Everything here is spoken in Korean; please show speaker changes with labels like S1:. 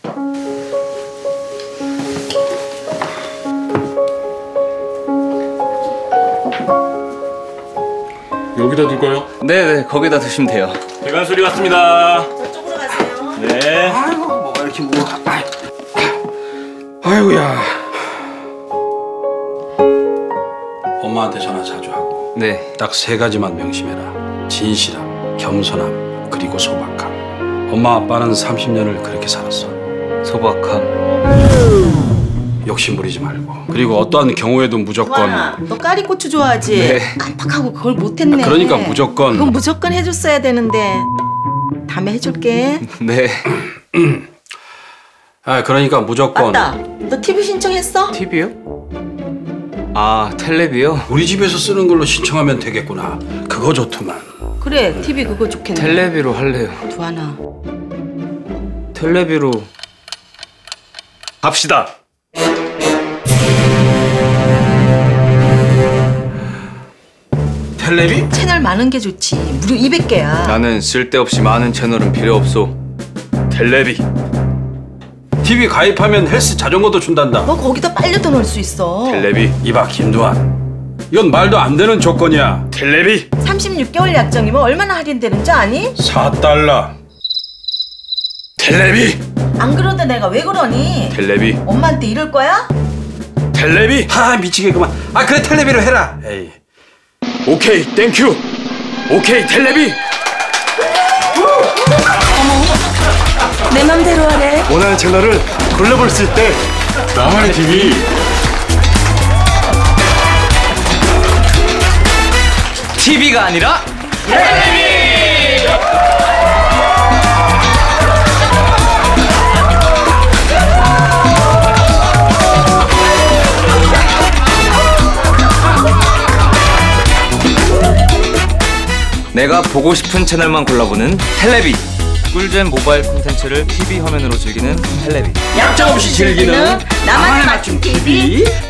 S1: 여기다 둘까요?
S2: 네네, 거기다 두시면 돼요.
S1: 대관 소리 왔습니다.
S3: 저쪽으로 가세요.
S1: 네.
S4: 아이고 뭐가 이렇게 무거워. 아이고야. 엄마한테 전화 자주 하고.
S2: 네.
S4: 딱 3가지만 명심해라. 진실함, 겸손함, 그리고 소박함. 엄마 아빠는 30년을 그렇게 살았어.
S2: 소박함.
S4: 욕심 부리지 말고. 그리고 어떠한 경우에도 무조건.
S3: 주환아, 너 까리고추 좋아하지?
S2: 네.
S3: 깜빡하고 그걸 못했네.
S4: 그러니까 무조건.
S3: 그건 무조건 해줬어야 되는데. 다음에 해줄게.
S2: 네.
S4: 아 그러니까 무조건.
S3: 맞다. 너 TV 신청했어?
S2: TV요? 아, 텔레비요?
S4: 우리 집에서 쓰는 걸로 신청하면 되겠구나. 그거 좋더만.
S3: 그래, TV 그거 좋겠네.
S2: 텔레비로 할래요.
S3: 두하나.
S2: 텔레비로 갑시다.
S4: 텔레비?
S3: 채널 많은 게 좋지. 무려 200개야.
S2: 나는 쓸데없이 많은 채널은 필요 없소. 텔레비.
S4: TV 가입하면 헬스 자전거도 준단다.
S3: 너 거기다 빨려도 넣을 수 있어.
S2: 텔레비.
S4: 이봐 김두한. 이건 말도 안 되는 조건이야.
S2: 텔레비.
S3: 36개월 약정이면 얼마나 할인되는지 아니?
S4: 4달러.
S2: 텔레비.
S3: 안 그러는데 내가 왜 그러니?
S2: 텔레비.
S3: 엄마한테 이럴 거야?
S2: 텔레비.
S4: 하 미치겠구만. 아 그래 텔레비로 해라. 에이.
S2: 오케이, 땡큐. 오케이, 텔레비.
S3: 내 맘대로 하래.
S1: 원하는 채널을 골라볼 수 있대. 나만의 TV.
S2: TV가 아니라 텔레비. 내가 보고 싶은 채널만 골라보는 텔레비. 꿀잼 모바일 콘텐츠를 TV 화면으로 즐기는 텔레비.
S4: 약정 없이 즐기는
S3: 나만의 맞춤 TV.